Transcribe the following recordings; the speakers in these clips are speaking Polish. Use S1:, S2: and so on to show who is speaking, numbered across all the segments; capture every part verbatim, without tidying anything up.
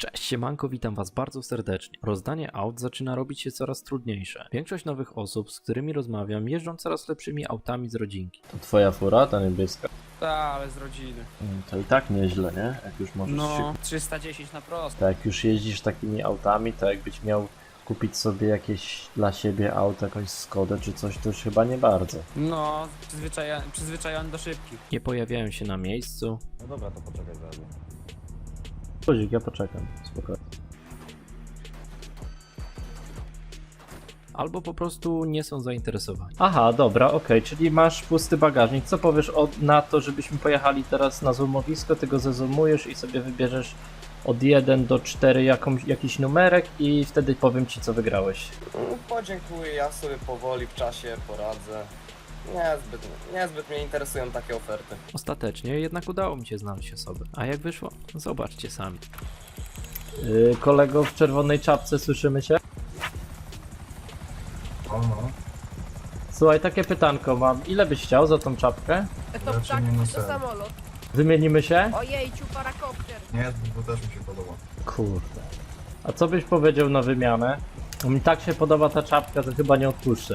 S1: Cześć, siemanko, witam was bardzo serdecznie. Rozdanie aut zaczyna robić się coraz trudniejsze. Większość nowych osób, z którymi rozmawiam, jeżdżą coraz lepszymi autami z rodzinki.
S2: To twoja fura, ta niebieska?
S3: Tak, ale z rodziny.
S2: Mm, To i tak nieźle, nie? Jak już możesz
S3: No,
S2: się...
S3: trzysta dziesięć na prosto.
S2: To jak już jeździsz takimi autami, to jakbyś miał kupić sobie jakieś dla siebie auto, jakąś Skodę czy coś, to już chyba nie bardzo.
S3: No, przyzwyczaja przyzwyczajony do szybkich.
S1: Nie pojawiają się na miejscu,
S2: No dobra, to poczekaj zaraz. Kozik, ja poczekam, spokojnie.
S1: albo po prostu nie są zainteresowani.
S2: Aha, dobra, okej, czyli masz pusty bagażnik. Co powiesz o, na to, żebyśmy pojechali teraz na zoomowisko, ty go zezumujesz i sobie wybierzesz od jeden do czterech jakąś, jakiś numerek i wtedy powiem ci, co wygrałeś.
S4: Mm, Podziękuję, ja sobie powoli w czasie poradzę. Niezbyt, niezbyt mnie interesują takie oferty.
S1: Ostatecznie jednak udało mi się znaleźć osobę. A jak wyszło? Zobaczcie sami.
S2: Yy, kolego w czerwonej czapce, słyszymy się?
S5: O no,
S2: Słuchaj, takie pytanko mam. Ile byś chciał za tą czapkę?
S6: To
S5: Raczej
S6: ptak,
S5: nie na
S6: to
S5: ser.
S6: samolot.
S2: Wymienimy się?
S6: Ojejciu, parakopter.
S5: nie, bo też mi się podoba.
S2: Kurde. A co byś powiedział na wymianę? Mi tak się podoba ta czapka, że chyba nie odpuszczę.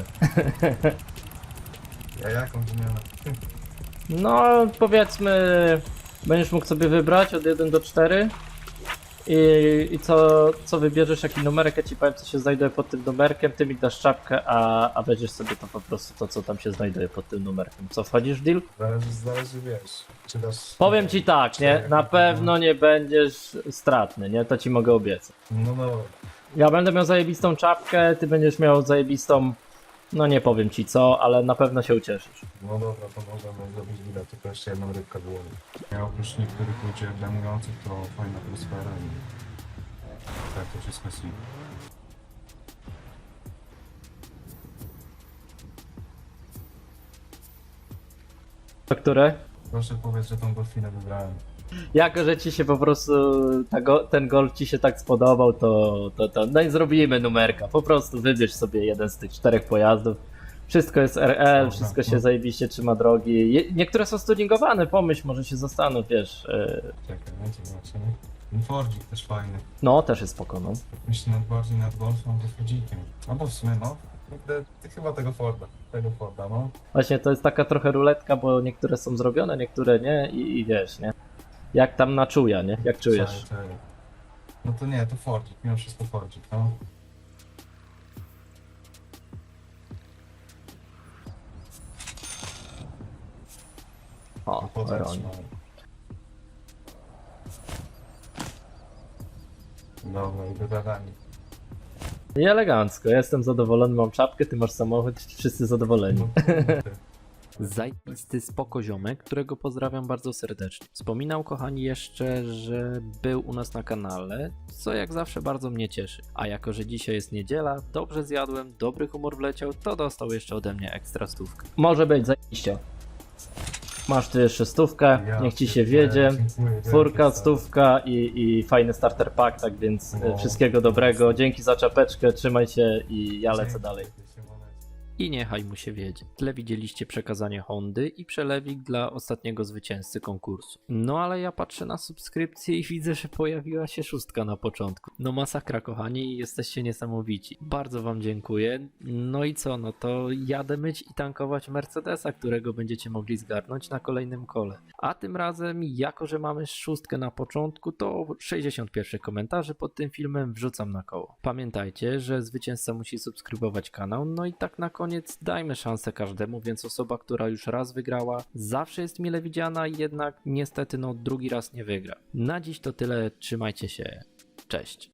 S5: Ja jaką wymianę?
S2: No, powiedzmy, będziesz mógł sobie wybrać od jeden do czterech. I, i co, co wybierzesz, jaki numerek, ja ci powiem, co się znajduje pod tym numerkiem, ty mi dasz czapkę, a, a weźmiesz sobie to po prostu to, co tam się znajduje pod tym numerkiem. Co, wchodzisz w deal?
S5: Zależy, zależy wiesz, czy dasz...
S2: Powiem ci tak, nie? Na pewno nie będziesz stratny, nie? To ci mogę obiecać.
S5: No no,
S2: Ja będę miał zajebistą czapkę, ty będziesz miał zajebistą... No nie powiem ci co, ale na pewno się ucieszysz.
S5: no dobra, to możemy zrobić bilet, tylko jeszcze jedną rybkę było. Ja oprócz niektórych ludzi obejmujących to fajna atmosfera i... Tak, to wszystko jest...
S2: To które?
S5: Proszę powiedz, że tą golfinę wybrałem.
S2: Jako, że ci się po prostu ta go, ten golf ci się tak spodobał, to, to, to no i zrobimy numerka. Po prostu wybierz sobie jeden z tych czterech pojazdów. Wszystko jest R L,
S5: Dobra,
S2: wszystko się
S5: no.
S2: zajebiście trzyma drogi. Je, niektóre są stuningowane, pomyśl, może się zastanów, wiesz. Yy,
S5: Czekaj, będzie zobaczymy. Ten Fordzik też fajny.
S2: no, też jest spoko, no.
S5: Myślę nad bardziej nad Golfem, to Fordzikiem. Albo w sumie no, kurde, ty chyba tego Forda, tego Forda, no.
S2: Właśnie to jest taka trochę ruletka, bo niektóre są zrobione, niektóre nie i, i wiesz, nie? Jak tam na czuja, nie? Jak czujesz?
S5: Czekaj, czekaj. No to nie, to Fordzik, mimo wszystko Fordzik, no.
S2: O,
S5: To potem
S2: Veronik.
S5: trzymaj. Dobra, i dogadani.
S2: I elegancko, ja jestem zadowolony, mam czapkę, ty masz samochód, wszyscy zadowoleni.
S5: No kurde.
S1: Zajebisty spoko ziomek, którego pozdrawiam bardzo serdecznie. Wspominał, kochani, jeszcze, że był u nas na kanale, co jak zawsze bardzo mnie cieszy. A jako, że dzisiaj jest niedziela, dobrze zjadłem, dobry humor wleciał, to dostał jeszcze ode mnie ekstra stówkę.
S2: Może być, zajebiście. Masz tu jeszcze stówkę,
S5: Ja
S2: niech ci się
S5: pierdolę,
S2: wiedzie.
S5: dziękuję wielkie,
S2: Czwórka,
S5: stary.
S2: stówka i, i fajny starter pack, tak więc e,
S5: No.
S2: wszystkiego dobrego. Dzięki za czapeczkę, trzymaj się i ja lecę
S5: Dzięki,
S2: dalej.
S5: Siemoneczko.
S1: I niechaj mu się wiedzie. W tle widzieliście przekazanie Hondy i przelewik dla ostatniego zwycięzcy konkursu. No ale ja patrzę na subskrypcję i widzę, że pojawiła się szóstka na początku. No masakra, kochani, jesteście niesamowici. Bardzo wam dziękuję. No i co, no to jadę myć i tankować Mercedesa, którego będziecie mogli zgarnąć na kolejnym kole. A tym razem, jako że mamy szóstkę na początku, to sześćdziesiąt pierwszych komentarzy pod tym filmem wrzucam na koło. Pamiętajcie, że zwycięzca musi subskrybować kanał, no i tak na koniec dajmy szansę każdemu, więc osoba, która już raz wygrała, zawsze jest mile widziana, jednak niestety no drugi raz nie wygra. Na dziś to tyle, trzymajcie się, cześć.